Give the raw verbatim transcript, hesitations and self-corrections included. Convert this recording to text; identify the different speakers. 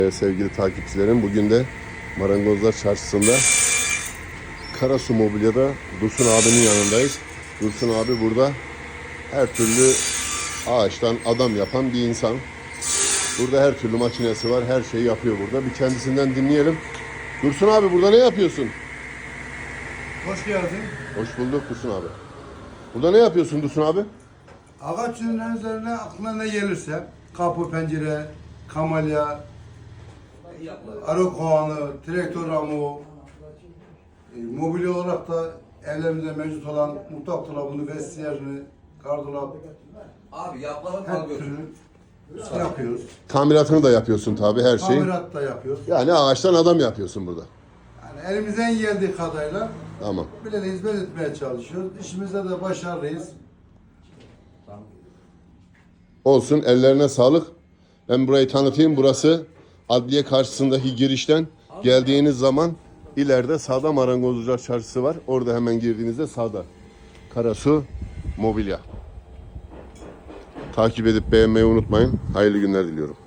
Speaker 1: Ee, sevgili takipçilerim, bugün de Marangozlar Çarşısı'nda Karasu Mobilya'da Dursun abinin yanındayız. Dursun abi burada her türlü ağaçtan adam yapan bir insan. Burada her türlü makinesi var, her şeyi yapıyor burada. Bir kendisinden dinleyelim. Dursun abi, burada ne yapıyorsun?
Speaker 2: Hoş geldin.
Speaker 1: Hoş bulduk Dursun abi. Burada ne yapıyorsun Dursun abi?
Speaker 2: Ağaç ürünlerinin üzerine aklına ne gelirse, kapı, pencere, kamalya, arı kovanı, traktör ramı, e, mobilya olarak da evlerimizde mevcut olan mutfak dolabını, vestiyerini, gardırop,
Speaker 3: Abi yaplama
Speaker 2: her
Speaker 3: kalkıyor.
Speaker 2: türlü yapıyoruz.
Speaker 1: Tamiratını da yapıyorsun tabii, her şeyi.
Speaker 2: Tamirat da yapıyoruz.
Speaker 1: Yani ağaçtan adam yapıyorsun burada.
Speaker 2: Yani elimizden geldiği kadarıyla
Speaker 1: Tamam.
Speaker 2: bile de hizmet etmeye çalışıyoruz. İşimizde de başarılıyız.
Speaker 1: Olsun, ellerine sağlık. Ben burayı tanıtayım. Burası adliye karşısındaki girişten geldiğiniz zaman ileride sağda Marangozlar Çarşısı var. Orada hemen girdiğinizde sağda Karasu Mobilya. Takip edip beğenmeyi unutmayın. Hayırlı günler diliyorum.